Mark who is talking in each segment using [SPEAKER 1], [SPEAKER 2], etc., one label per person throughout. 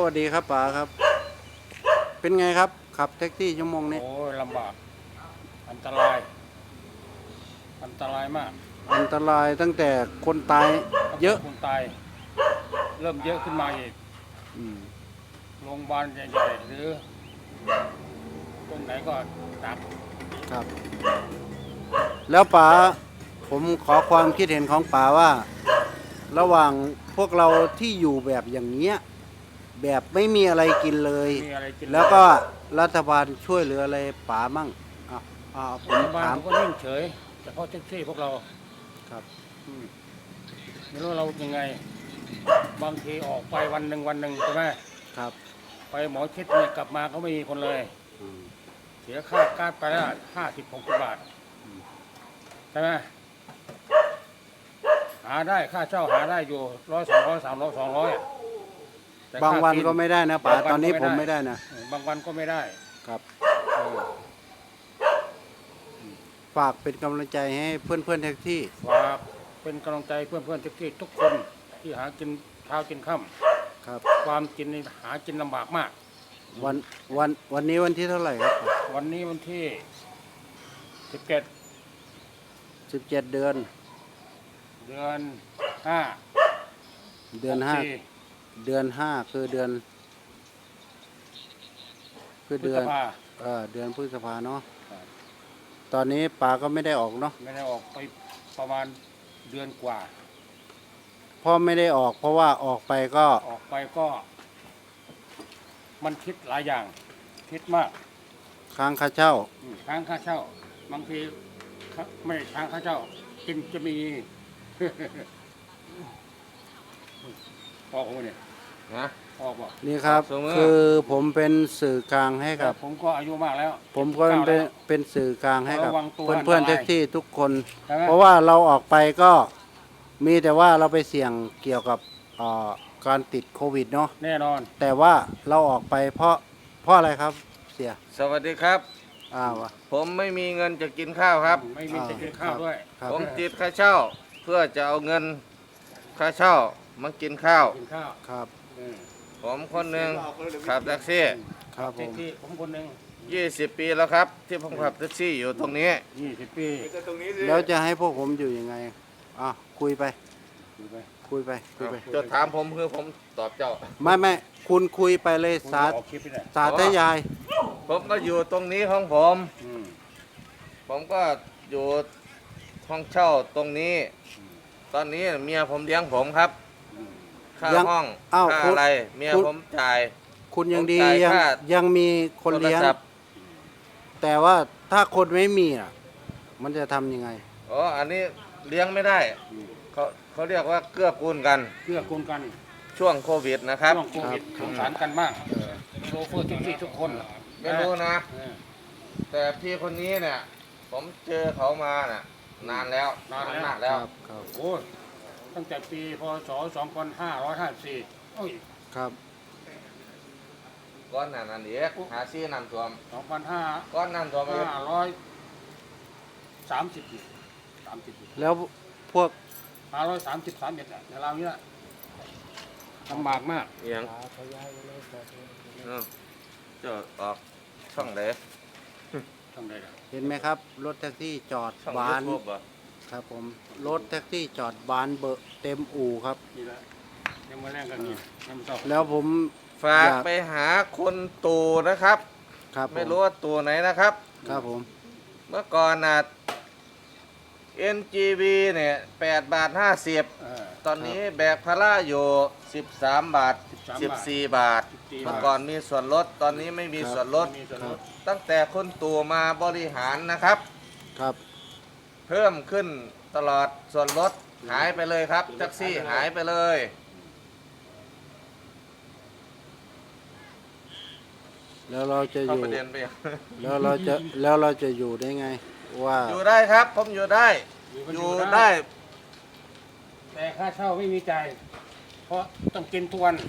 [SPEAKER 1] วัสดีครับป๋าครับเป็นไงครับขับแท็กซี่ชั่วโมงนี้
[SPEAKER 2] โอ้ยลำบากอันตรายมาก
[SPEAKER 1] อันตรายตั้งแต่คนตายเยอะ
[SPEAKER 2] คนตายเริ่มเยอะขึ้นมาอีก
[SPEAKER 1] อืม
[SPEAKER 2] โรงพยาบาลใหญ่ๆหรือตรงไหนก็หนัก
[SPEAKER 1] ครับแล้วป๋าผมขอความคิดเห็นของป๋าว่า ระหว่างพวกเราที่อยู่แบบอย่างเงี้ยแบบไม่มีอะไรกินเลย
[SPEAKER 2] มีอะไรกิน
[SPEAKER 1] แล้วก็รัฐบาลช่วยเหลืออะไรป๋ามั่งผม
[SPEAKER 2] รัฐบาล
[SPEAKER 1] ถาม
[SPEAKER 2] เขาก็นิ่งเฉยเฉพาะแท็กซี่พวกเรา
[SPEAKER 1] ครับ
[SPEAKER 2] อืมไม่รู้เรายังไงบางทีออกไปวันหนึ่งใช่ไหม
[SPEAKER 1] ครับ
[SPEAKER 2] ไปหมอชิดเนี่ยกลับมาก็ไม่มีคนเลย
[SPEAKER 1] อืม
[SPEAKER 2] เสียค่าการไปละ50-60 บาทใช่ไหมหาได้ค่าเช่าหาได้อยู่100-200-300-200
[SPEAKER 1] บางวันก็ไม่ได้นะป๋าตอนนี้ผมไม่ได้นะ
[SPEAKER 2] บางวันก็ไม่ได้
[SPEAKER 1] ครับฝากเป็นกำลังใจให้เพื่อนแท็กซี่
[SPEAKER 2] ฝากเป็นกำลังใจเพื่อนแท็กซี่ทุกคนที่หากินเช้ากินค่
[SPEAKER 1] ำครับ
[SPEAKER 2] ำความกินนี่หากินลำบากมาก
[SPEAKER 1] วันนี้วันที่เท่าไหร่ครับ
[SPEAKER 2] วันนี้วันที่
[SPEAKER 1] 17 เดือน
[SPEAKER 2] 5
[SPEAKER 1] เดือนห้าเดือนห้าคือเดือน
[SPEAKER 2] พฤษภา
[SPEAKER 1] เดือนพฤษภาเนาะตอนนี้ป๋าก็ไม่ได้ออกเนาะ
[SPEAKER 2] ไม่ได้ออกไปประมาณเดือนกว่า
[SPEAKER 1] พ่อไม่ได้ออกเพราะว่าออกไปก็
[SPEAKER 2] มันคิดหลายอย่างคิดมาก
[SPEAKER 1] ค้างค่าเช่า
[SPEAKER 2] ค้างค่าเช่าบางทีไม่ค้างค่าเช่ากินจะมี ออกเนี่ย
[SPEAKER 3] นะ
[SPEAKER 2] ออกบ่
[SPEAKER 1] นี่ครับคือผมเป็นสื่อกลางให้กับ
[SPEAKER 2] ผมก็อายุมากแล้ว
[SPEAKER 1] ผมก็เป็นสื่อกลางให้กับเพื่อนแท็กซี่ทุกคนเพ
[SPEAKER 2] รา
[SPEAKER 1] ราะว่าเราออกไปก็มีแต่ว่าเราไปเสี่ยงเกี่ยวกับการติดโควิดเนาะ
[SPEAKER 2] แน่นอน
[SPEAKER 1] แต่ว่าเราออกไปเพราะอะไรครับเสีย
[SPEAKER 3] สวัสดีครับผมไม่มีเงินจะกินข้าวครับ
[SPEAKER 2] ไม่มีจะกินข้าวด้วย
[SPEAKER 3] ผมติดค่าเช่าเพื่อจะเอาเงินค่าเช่ามากินข้าว
[SPEAKER 1] ครับ
[SPEAKER 3] ผมคนหนึ่งขับแท็กซี่
[SPEAKER 1] ครับ
[SPEAKER 2] ผมคนหนึ่ง
[SPEAKER 3] 20 ปีแล้วครับที่ผมขับแท็กซี่อยู่ตรงนี้
[SPEAKER 2] 20 ปี
[SPEAKER 1] แล้วจะให้พวกผมอยู่ยังไงคุยไป
[SPEAKER 3] จะถามผมคือผมตอบเจ้า
[SPEAKER 1] ไม่คุณคุยไปเลยสาธยาย
[SPEAKER 3] ผมก็อยู่ตรงนี้ของผมก็อยู่ห้องเช่าตรงนี้ตอนนี้เมียผมเลี้ยงผมครับค่าห้องค่าอะไรเมียผมจ่าย
[SPEAKER 1] คุณยังดียังมีคนเลี้ยงแต่ว่าถ้าคนไม่มีมันจะทำยังไง
[SPEAKER 3] อันนี้เลี้ยงไม่ได้เขาเรียกว่าเกื้อกูลกันช่วงโควิดนะครับ
[SPEAKER 2] ช่วงโควิดสงสารกันมากโชเฟอร์ที่ทุกคน
[SPEAKER 3] ไม่รู้นะแต่พี่คนนี้เนี่ยผมเจอเขามาน่ะนานแล้ว
[SPEAKER 2] โอ้ตั้งแต่ปีพ.ศ. 2554
[SPEAKER 1] ครับ
[SPEAKER 3] ก้อนนั่นเอกหาซี่น้ำท่วม
[SPEAKER 2] 2500
[SPEAKER 3] ก้อนน้ำท่วม
[SPEAKER 1] 30แล้วพวก
[SPEAKER 2] 531ในเราเนี้ยลำบากมาก
[SPEAKER 3] อย่างจะออกช่องไหน
[SPEAKER 1] เห็นไหมครับรถแท็กซี่จอดบานครับผมรถแท็กซี่จอดบานเบอร์เต็มอู่ครับ
[SPEAKER 2] ยังมาแรงกัน
[SPEAKER 1] แล้วผม
[SPEAKER 3] ฝากไปหาคนตู่นะครับไม่รู้ว่าตู่ไหนนะครับ
[SPEAKER 1] ครับผม
[SPEAKER 3] เมื่อก่อนNGV เนี่ย8.50 ตอนนี้แบกภาระอยู่13 บาท14 บาทเมื่อก่อนมีส่วนลดตอนนี้ไม่มีส่วนลดตั้งแต่คนตู่มาบริหารนะครับเพิ่มขึ้นตลอดส่วนลดหายไปเลยครับแท็กซี่หายไปเลย
[SPEAKER 1] แล้วเราจะอยู่แล้วเราจะอยู่ได้ไงว่า
[SPEAKER 3] อยู่ได้ครับผมอยู่ได้
[SPEAKER 2] แต่ค่าเช่าไม่มีจ่ายเพราะต้องกินทุกวัน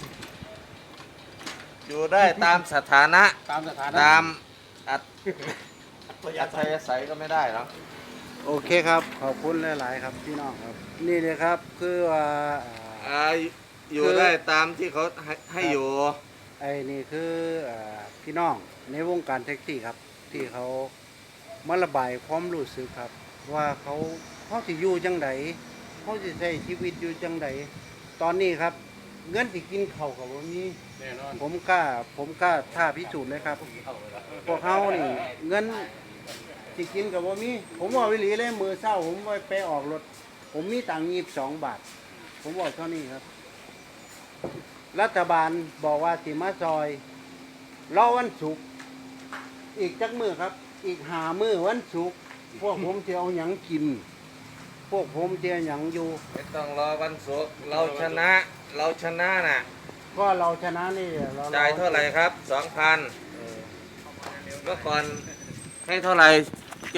[SPEAKER 3] อยู่ได้ตามสถานะตามอัธยาศัยก็ไม่ได้ครับ
[SPEAKER 1] โอเคครับขอบคุณหลายๆครับพี่น้องครับนี่เลยครับคือว่า
[SPEAKER 3] อยู่ได้ตามที่เขาให้อยู่
[SPEAKER 1] ไอ้นี่คือพี่น้องในวงการแท็กซี่ครับ ที่เขามาระบายความรู้สึกครับ ว่าเขาสิอยู่จังไดเขาสิใช้ชีวิตอยู่จังไดตอนนี้ครับ เงินสิกินข้าวกับบ่มี
[SPEAKER 2] แน่นอน
[SPEAKER 1] ผมกล้าท้าพิสูจน์เลยครับ พวกเขานี่เงินสิกินกับบ่มี ผมว่าวิลีเลยมือเศร้าผมไปออกรถ ผมมีตังค์22 บาท ผมบอกเท่านี้ครับ รัฐบาลบอกว่าสิมาซอยรอวันศุกร์อีกจักมือครับ อีก5 มื้อวันศุกร์พวกผมจะเอาหยังกิน พวกผมจะเอาหยังอยู่
[SPEAKER 3] ไม่ต้องรอวันศุกร์เราชนะน่ะ
[SPEAKER 1] ก็เราชนะนี่เรา
[SPEAKER 3] จ่ายเท่าไหร่ครับ 2,000
[SPEAKER 1] เออ
[SPEAKER 3] เมื่อก่อนให้เท่าไหร่ 7,500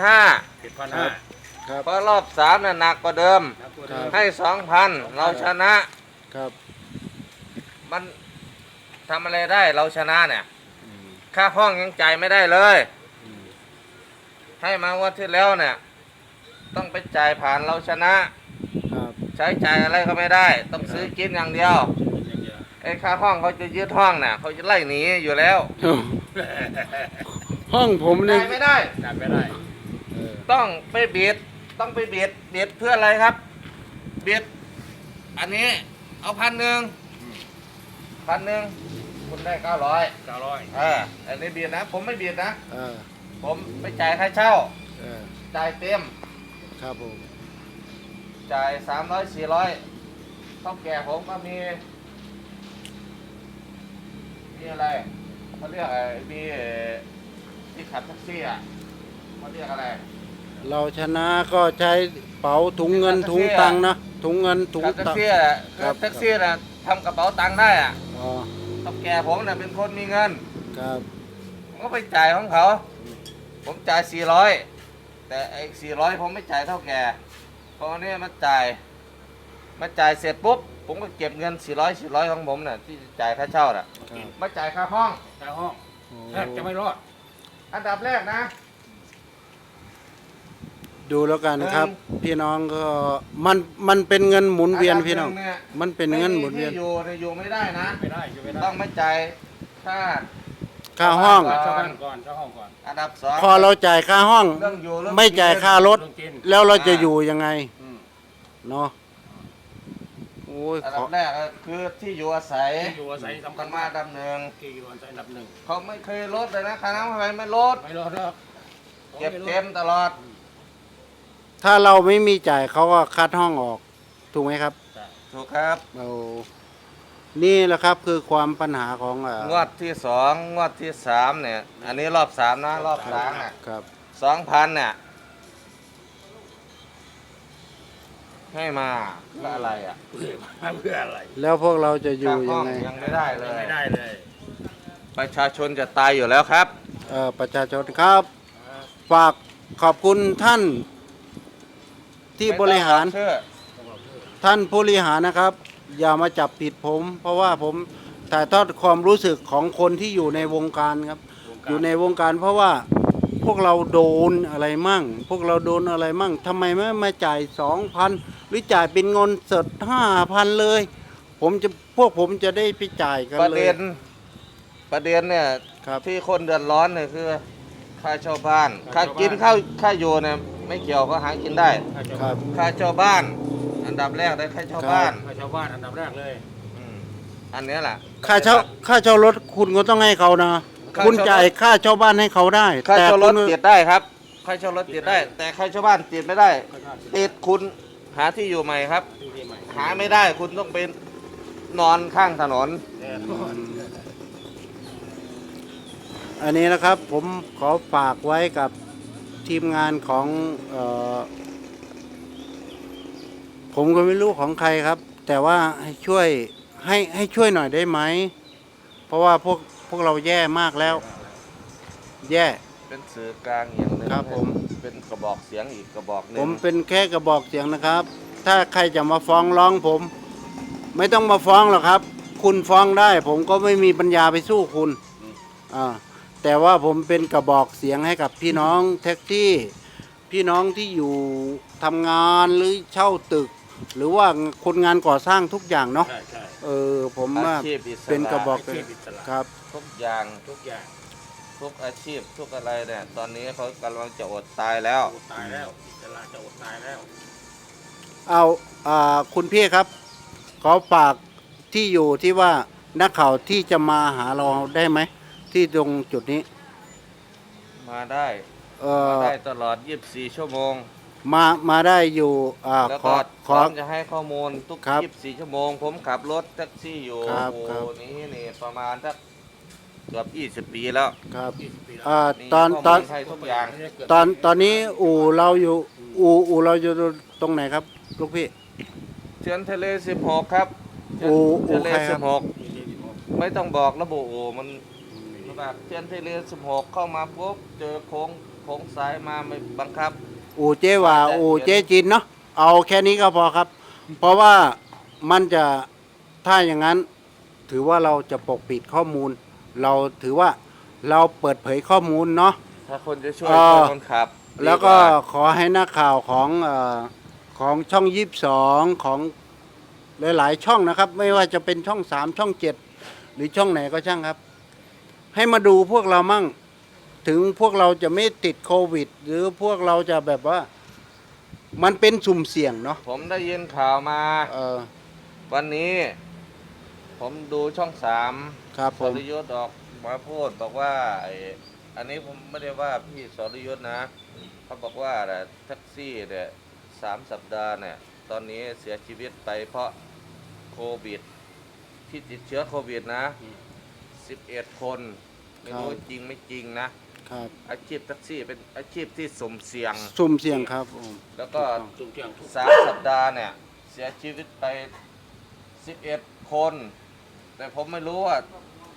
[SPEAKER 2] 7,500
[SPEAKER 1] ครับ
[SPEAKER 3] เพราะรอบ3น่ะหนักกว่าเดิม
[SPEAKER 2] นับตัวเดิม
[SPEAKER 3] ให้ 2,000 เราชนะ
[SPEAKER 1] ครับ
[SPEAKER 3] มันทำอะไรได้เราชนะเนี่ย ค่าห้องยังจ่ายไม่ได้เลย ให้มางวันที่แล้วเนี่ย ต้องไปจ่ายผ่านเราชนะ
[SPEAKER 1] ครับ
[SPEAKER 3] ใช้จ่ายอะไรก็ไม่ได้ ต้องซื้อกินอย่างเดียว
[SPEAKER 2] อย่างเดียว
[SPEAKER 3] ไอ้ค่าห้องเขาจะยึดห้องน่ะเขาจะไล่หนีอยู่แล้ว
[SPEAKER 1] ห้องผมนี่
[SPEAKER 3] จ่ายไม่ได้
[SPEAKER 2] จ่ายไม่ได้
[SPEAKER 3] ต้องไปเบียดเพื่ออะไรครับ เบียดอันนี้เอา1,000 คุณได้900
[SPEAKER 2] 900
[SPEAKER 3] อันนี้เบียดนะ ผมไม่เบียดนะ
[SPEAKER 1] เออ
[SPEAKER 3] ผมไม่จ่ายค่าเช่า
[SPEAKER 1] เออ
[SPEAKER 3] จ่ายเต็ม
[SPEAKER 1] ครับผม
[SPEAKER 3] จ่าย300 400ต้องแก่ผมก็มีอะไรเขาเรียกอะไรมีที่ขับแท็กซี่อ่ะเขาเรียกอะไร
[SPEAKER 1] เราชนะก็ใช้เป๋าถุงเงินถุงตังค์นะถุงเงินถุง
[SPEAKER 3] ขับแท็ก
[SPEAKER 1] ตังค์
[SPEAKER 3] ซี่อ่ะ
[SPEAKER 1] ครับ
[SPEAKER 3] แท็กซี่น่ะทำกระเป๋าตังค์ได้อ่ะ
[SPEAKER 1] อ๋อ
[SPEAKER 3] ต้องแก่ผมน่ะเป็นคนมีเงิน
[SPEAKER 1] ครับ
[SPEAKER 3] ผมก็ไปจ่ายของเขา ผมจ่าย400แต่ไอ้400ผมไม่จ่ายเท่าแก่เพราะอันนี้มาจ่ายเสร็จปุ๊บผมก็เก็บเงิน400ของผมน่ะที่จ่ายค่าเช่าน่ะ
[SPEAKER 1] ครับ
[SPEAKER 3] มาจ่ายค่าห้อง
[SPEAKER 2] ค่าห้อง
[SPEAKER 1] โอ้
[SPEAKER 2] แทบจะไม่รอด
[SPEAKER 3] อันดับแรกนะ
[SPEAKER 1] ดูแล้วกันครับ พี่น้องก็มันเป็นเงินหมุนเวียนพี่น้อง
[SPEAKER 3] ดับหเย
[SPEAKER 1] มันเป็นเงินหมุนเวียน
[SPEAKER 3] ไม่มีที่อยู่ไม่ได้นะ
[SPEAKER 2] ไม่ได้อยู่ไม่ได้
[SPEAKER 3] ต้องไม่จ่ายค่า
[SPEAKER 1] ค่าห้อง
[SPEAKER 2] เช่าบ้านก่อนเช่าห้องก่อน
[SPEAKER 3] อันดับสอง
[SPEAKER 1] พอเราจ่ายค่าห้อง
[SPEAKER 3] เรื่องอยู่เรื่อง
[SPEAKER 1] ไม่จ่ายค่ารถ
[SPEAKER 2] เรื่องกิน
[SPEAKER 1] แล้วเราจะอยู่ยังไง
[SPEAKER 2] อืม
[SPEAKER 1] เนาะโอ้ย
[SPEAKER 3] อัน
[SPEAKER 1] ข
[SPEAKER 3] ดั
[SPEAKER 1] อบ
[SPEAKER 3] แรกก็คือที่อยู่อาศัย
[SPEAKER 2] ที่อยู่อาศัยสำคั
[SPEAKER 3] กั
[SPEAKER 2] ญ
[SPEAKER 3] นมาอันดับหนึ่ง
[SPEAKER 2] ที่อยู่อาศัยอันดับหนึ่ง
[SPEAKER 3] เขาไม่เคยลดเลยนะค่าน้ำไฟไม่ลด
[SPEAKER 2] ไม่รอดหรอก
[SPEAKER 3] เก็บเต็มตลอด
[SPEAKER 1] ถ้าเราไม่มีจ่ายเขาก็คัดห้องออกถูกไหมครับ
[SPEAKER 3] ถูกครับ
[SPEAKER 1] เอานี่แหละครับคือความปัญหาของ
[SPEAKER 3] งวดที่2งวดที่3เนี่ย อันนี้รอบ3นะรอบ3น่ะ
[SPEAKER 1] ครับ
[SPEAKER 3] 2,000เนี่ยให้มาเพื่ออะไรอ่ะ
[SPEAKER 2] เพื่ออะไร
[SPEAKER 1] แล้วพวกเราจะอยู่
[SPEAKER 3] ค่าห้
[SPEAKER 1] ยั
[SPEAKER 3] อง ง
[SPEAKER 1] ไง
[SPEAKER 3] ยังไม่ได้เลย
[SPEAKER 2] ไม่ได้เลย
[SPEAKER 3] ประชาชนจะตายอยู่แล้วครับ
[SPEAKER 1] ประชาชนครับ ฝากขอบคุณท่านที่บริหาร
[SPEAKER 3] ไม่ต้องเชื่อ
[SPEAKER 1] ท่านผู้บริหารนะครับ อย่ามาจับผิดผม เพราะว่าผมถ่ายทอดความรู้สึกของคนที่อยู่ในวงการครับ อยู่ในวงการเพราะว่าพวกเราโดนอะไรมั่ง พวกเราโดนอะไรมั่งทำไมไม่มาจ่าย 2,000 หรือจ่ายเป็นเงินสด 5,000 เลย พวกผมจะได้ไปจ่ายกัน
[SPEAKER 3] ประ
[SPEAKER 1] เล
[SPEAKER 3] เด็
[SPEAKER 1] ย
[SPEAKER 3] นเนี่ย
[SPEAKER 1] ครับ
[SPEAKER 3] ที่คนเดือดร้อนเนี่ยคือค่าเช่าบ้าน ค่ากินค่าอยู่เนี่ยไม่เกี่ยวก็หากินได้
[SPEAKER 1] ครับ
[SPEAKER 3] ค่าเช่าบ้าน อันดับแรกได้ค่าเช่าบ้าน
[SPEAKER 2] ให้ชาวบ้านอันดับแรกเลย
[SPEAKER 3] อืมอันเนี้ยแหละ
[SPEAKER 1] ค่าเช่ารถคุณก็ต้องให้เขานะ
[SPEAKER 3] ค่า
[SPEAKER 1] คุณ
[SPEAKER 3] เช่ารถ
[SPEAKER 1] จ่ายค่าเช่าบ้านให้เขาได้
[SPEAKER 3] ค่าเช่ารถ
[SPEAKER 1] คุณ
[SPEAKER 3] ติดได้ครับ ค่าเช่ารถติดได้ แต่ค่าเช่าบ้านติดไม่ได้ ติดคุณหาที่อยู่ใหม่ครับ
[SPEAKER 2] ที่ใหม่
[SPEAKER 3] หาไม่ได้คุณต้องไปนอนข้างถนน
[SPEAKER 2] แน่นอน
[SPEAKER 1] อันนี้นะครับผมขอฝากไว้กับทีมงานของผมก็ไม่รู้ของใครครับ แต่ว่าให้ช่วยหน่อยได้ไหม เพราะว่าพวกเราแย่มากแล้ว แย่
[SPEAKER 3] เป็นสื่อกลางอย่างหนึง
[SPEAKER 1] ครับผม
[SPEAKER 3] เป็นกระบอกเสียงอีกกระบอกหนึ
[SPEAKER 1] ผ
[SPEAKER 3] ง
[SPEAKER 1] มเป็นแค่กระบอกเสียงนะครับ ถ้าใครจะมาฟ้องร้องผม ไม่ต้องมาฟ้องหรอกครับ คุณฟ้องได้ ผมก็ไม่มีปัญญาไปสู้คุณแต่ว่าผมเป็นกระบอกเสียงให้กับพี่น้องแท็กซี่ พี่น้องที่อยู่ทำงานหรือเช่าตึกหรือว่าคนงานก่อสร้างทุกอย่างเนาะ
[SPEAKER 2] ใช่ใช่
[SPEAKER 1] ผม
[SPEAKER 3] อา
[SPEAKER 1] ว่า
[SPEAKER 3] ชีพอิสระ
[SPEAKER 1] เป็นกระบอก
[SPEAKER 2] อาชีพอิสระ
[SPEAKER 1] ครับ
[SPEAKER 3] ทุกอย่าง
[SPEAKER 2] ทุกอย่าง
[SPEAKER 3] ทุกอาชีพทุกอะไรเนี่ยตอนนี้เขากำลังจะอดตายแล้ว
[SPEAKER 2] อดตายแล้วอิสระจะอดตายแล้ว
[SPEAKER 1] เอาคุณพี่ครับ ขอฝากที่อยู่ที่ว่านักข่าวที่จะมาหาเราได้ไหม ที่ตรงจุดนี้
[SPEAKER 3] มาได้
[SPEAKER 1] เอ่
[SPEAKER 3] มา
[SPEAKER 1] อ
[SPEAKER 3] ได้ตลอด 24 ชั่วโมง
[SPEAKER 1] มาได้อยู่
[SPEAKER 3] แล้ว
[SPEAKER 1] ขอ
[SPEAKER 3] ก็พ
[SPEAKER 1] ข
[SPEAKER 3] ร้
[SPEAKER 1] อ
[SPEAKER 3] อมจะให้ข้อมูลทุก
[SPEAKER 1] ครับ
[SPEAKER 3] 24 ชั่วโมง ผมขับรถแท็กซี่อยู่
[SPEAKER 1] ครับ
[SPEAKER 3] โอ้
[SPEAKER 1] ครับ
[SPEAKER 3] นี่ประมาณสักเกือบ20 ปีแล้ว
[SPEAKER 1] ครับ
[SPEAKER 2] 20 ปีแล้ว
[SPEAKER 3] มี
[SPEAKER 1] ตอน
[SPEAKER 3] ข้
[SPEAKER 1] ต
[SPEAKER 3] มู
[SPEAKER 1] อน
[SPEAKER 3] ลให้ทุกอย่าง
[SPEAKER 1] ตอนนี้อู่เราอยู่อู่เราอยู่ตรงไหนครับลูกพี่
[SPEAKER 3] เชือนทะเล 16 ครับ
[SPEAKER 1] โอ้
[SPEAKER 3] เชือนทะเล
[SPEAKER 1] โอเคครับ
[SPEAKER 3] 16 ไม่ต้องบอกระบุโอ้มันแบบเชือนทะเล 16 เข้ามาปุ๊บเจอโค้งซ้ายมาไม่บังคับ
[SPEAKER 1] อู่เจ๊หว่าอู่เจ๊จินเนาะเอาแค่นี้ก็พอครับ เพราะว่ามันจะถ้าอย่างนั้น ถือว่าเราจะปกปิดข้อมูล เราถือว่าเราเปิดเผยข้อมูลเนาะ
[SPEAKER 3] ถ้าคนจะช่วย
[SPEAKER 1] อ่า
[SPEAKER 3] ช่วยคนขับ
[SPEAKER 1] แล้วก็
[SPEAKER 3] ดีา
[SPEAKER 1] ขอให้นักข่าวของช่อง22ของหลายๆช่องนะครับ ไม่ว่าจะเป็นช่อง3ช่อง7หรือช่องไหนก็ช่างครับ ให้มาดูพวกเรามั่ง ถึงพวกเราจะไม่ติดโควิด หรือพวกเราจะแบบว่า มันเป็นสุ่มเสี่ยงเนาะ
[SPEAKER 3] ผมได้ยินข่าวมา
[SPEAKER 1] เออ
[SPEAKER 3] วันนี้ ผมดูช่อง
[SPEAKER 1] ครับ
[SPEAKER 3] 3
[SPEAKER 1] ผ
[SPEAKER 3] ส
[SPEAKER 1] ม
[SPEAKER 3] รยุทธ์ออกมาพูดบอกว่าอันนี้ผมไม่ได้ว่าพี่สรยุทธ์นะ เขาบอกว่าแท็กซี่เนี่ย3 สัปดาห์เนี่ยตอนนี้เสียชีวิตไปเพราะโควิด ที่ติดเชื้อโควิดนะ 11 คนไม่รู้จริงไม่จริงนะ
[SPEAKER 1] ครับ
[SPEAKER 3] อาชีพแท็กซี่เป็นอาชีพที่สุ่มเสี่ยง
[SPEAKER 1] สุ่มเสี่ยงครับผม
[SPEAKER 3] แล้วก็
[SPEAKER 2] จุ่มเที่ยงทุก
[SPEAKER 3] 3 สัปดาห์เนี่ย เสียชีวิตไป 11 คน แต่ผมไม่รู้ว่า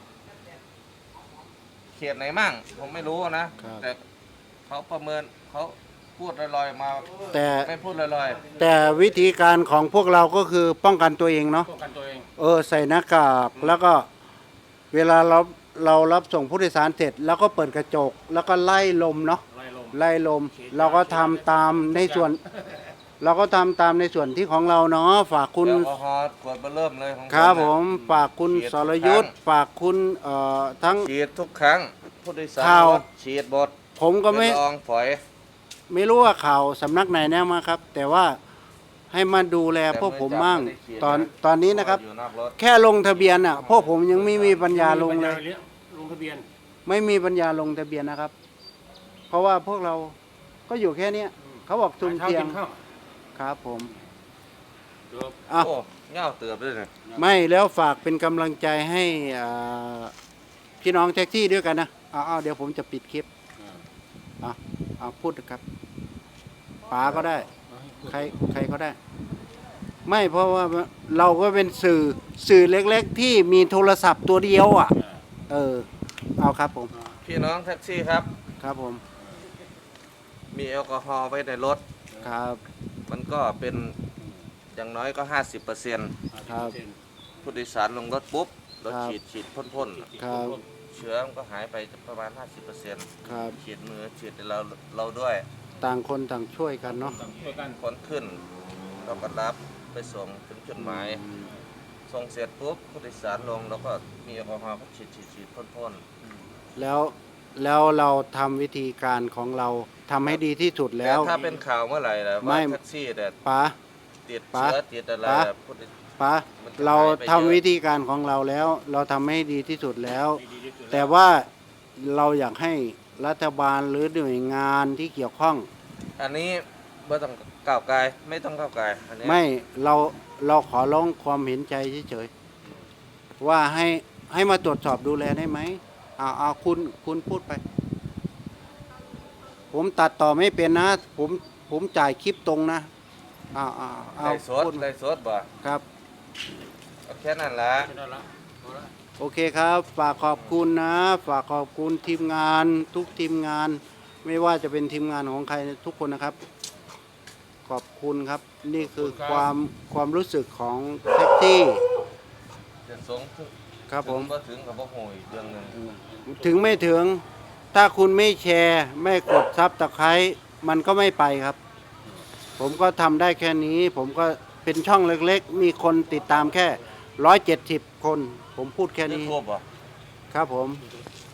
[SPEAKER 3] เขตไหนมั่ง ผมไม่รู้นะ แต่เขาประเมินเขาพูดลอยๆมา
[SPEAKER 1] แต่
[SPEAKER 3] ไม่พูดลอย
[SPEAKER 1] แต่วิธีการของพวกเราก็คือป้องกันตัวเองเนาะ
[SPEAKER 2] ป้องกันตัวเอง
[SPEAKER 1] ใส่หน้ากากแล้วก็เวลาเรารับส่งผู้โดยสารเสร็จ แล้วก็เปิดกระจก แล้วก็ไล่ลมเนาะ
[SPEAKER 2] ไล่ลม
[SPEAKER 1] ไล่ลม เราก็ทำตามในส่วน เราก็ทำตามในส่วนที่ของเราเนาะฝาก
[SPEAKER 3] ๆ
[SPEAKER 1] คุณ
[SPEAKER 3] แอลกอฮอล์ขวดเบอร์เริ่มเลยของ
[SPEAKER 1] ครับ
[SPEAKER 3] เนี่ย
[SPEAKER 1] ผมฝากคุณ
[SPEAKER 3] ฉีด
[SPEAKER 1] สรยุทธ์
[SPEAKER 3] ทุกครั้ง
[SPEAKER 1] ฝากคุณทั้ง
[SPEAKER 3] ฉีดทุกครั้ง ผู้โดยสาร
[SPEAKER 1] ข่าว
[SPEAKER 3] รถฉีดหมด
[SPEAKER 1] ผมก็ไม่
[SPEAKER 3] เป็นละอองฝอย
[SPEAKER 1] ไม่รู้ว่าข่าวสำนักไหนแน่มาครับ แต่ว่าให้มาดูแลพวกผมมั่งตอนนี้นะครับ
[SPEAKER 3] อยู่นอกรถ
[SPEAKER 1] แค่ลงทะเบียนอ่ะพวกผมยังไม่มีปัญญาลงเลย
[SPEAKER 2] ลงทะเบียน
[SPEAKER 1] ไม่มีปัญญาลงทะเบียนนะครับ เพราะว่าพวกเราก็อยู่แค่เนี้ยเขาบอกซุ่มเสี่ยง
[SPEAKER 2] หาช้ากินข้าว
[SPEAKER 1] ครับผม
[SPEAKER 2] เดี๋ยว
[SPEAKER 1] อ่ะ
[SPEAKER 3] โอ้เง่าเตือบด้วยเนี่ย
[SPEAKER 1] ไม่แล้วฝากเป็นกำลังใจให้พี่น้องแท็กซี่ด้วยกันนะเอาเดี๋ยวผมจะปิดคลิปเอาพูดนะครับป๋าก็ได้ ใครก็ได้ ไม่เพราะว่าเราก็เป็นสื่อเล็กๆ ที่มีโทรศัพท์ตัวเดียวอ่ะ เอาครับผม
[SPEAKER 3] พี่น้องแท็กซี่ครับ
[SPEAKER 1] ครับผม
[SPEAKER 3] มีแอลกอฮอล์ไว้ในรถ
[SPEAKER 1] ครับ
[SPEAKER 3] มันก็เป็นอย่างน้อยก็ 50%
[SPEAKER 1] ครับ
[SPEAKER 3] ผู้โดยสารลงรถปุ๊บรถ
[SPEAKER 1] ครับ
[SPEAKER 3] ฉีดพ่น
[SPEAKER 1] ครับ
[SPEAKER 3] ๆเชื้อมันก็หายไปประมาณ 50%
[SPEAKER 1] ครับ
[SPEAKER 3] ฉีดมือฉีดเราด้วย
[SPEAKER 1] ต่างคนต่างช่วยกันเนาะ
[SPEAKER 2] ช่วยกัน
[SPEAKER 3] คนขึ้น เราก็รับไปส่งถึงจุดหมาย ส่งเสร็จปุ๊บผู้โดยสารลงแล้วก็มีแอลกอฮอล์ก็ฉีดพ่น
[SPEAKER 1] แล้วเราทำวิธีการของเราทำให้ดีที่สุด
[SPEAKER 3] ๆ
[SPEAKER 1] แล้ว
[SPEAKER 3] ต่ถ้าเป็นข่าวเมื่อไหร่ล่ะ
[SPEAKER 1] ไม่
[SPEAKER 3] ว่าแท็กซี่เนี่ย
[SPEAKER 1] ป๋า
[SPEAKER 3] ติด
[SPEAKER 1] ป๋า
[SPEAKER 3] เชื้อติดอะไร
[SPEAKER 1] ป๋า
[SPEAKER 3] แบบผู้โดย
[SPEAKER 1] ป๋า
[SPEAKER 3] มันจะ
[SPEAKER 1] เรา
[SPEAKER 3] หายไป
[SPEAKER 1] ทำ
[SPEAKER 3] เยอะ
[SPEAKER 1] วิธีการของเราแล้ว เราทำให้ดีที่สุดแล้ว
[SPEAKER 2] ดีที่สุด
[SPEAKER 1] แต่ว่าเราอยากให้รัฐบาลหรือหน่วยงานที่เกี่ยวข้อง
[SPEAKER 3] อันนี้ไม่ต้องก้าวไกลไม่ต้องก้าวไกลอันนี้
[SPEAKER 1] ไม่เราขอร้องความเห็นใจเฉยๆว่าให้มาตรวจสอบดูแลได้ไหมเอาคุณพูดไป ผมตัดต่อไม่เป็นนะ ผมจ่ายคลิปตรงนะเอา
[SPEAKER 3] ไล่สด
[SPEAKER 1] พูด
[SPEAKER 3] ไล่สดบ่
[SPEAKER 1] ครับ
[SPEAKER 3] เอาแค่นั้นละ
[SPEAKER 2] ไม่ได้ละเอาละ
[SPEAKER 1] โอเคครับ ฝากขอบคุณนะ ฝากขอบคุณทีมงานทุกทีมงาน ไม่ว่าจะเป็นทีมงานของใครทุกคนนะครับ ขอบคุณครับ นี่คือความรู้สึกของแท็กซี่
[SPEAKER 3] จะสูง
[SPEAKER 1] ครับผม
[SPEAKER 3] ก็ถึงกับพ่อโหยเรื่องหนึง
[SPEAKER 1] ถึงไม่ถึง ถ้าคุณไม่แชร์ ไม่กดซับตะไคร้มันก็ไม่ไปครับ ผมก็ทำได้แค่นี้ ผมก็เเป็นช่องเล็กๆ มีคนติดตามแค่170 คน ผมพูดแค่
[SPEAKER 3] ยู
[SPEAKER 1] นี้
[SPEAKER 3] ทูบเหรอ
[SPEAKER 1] ครับผม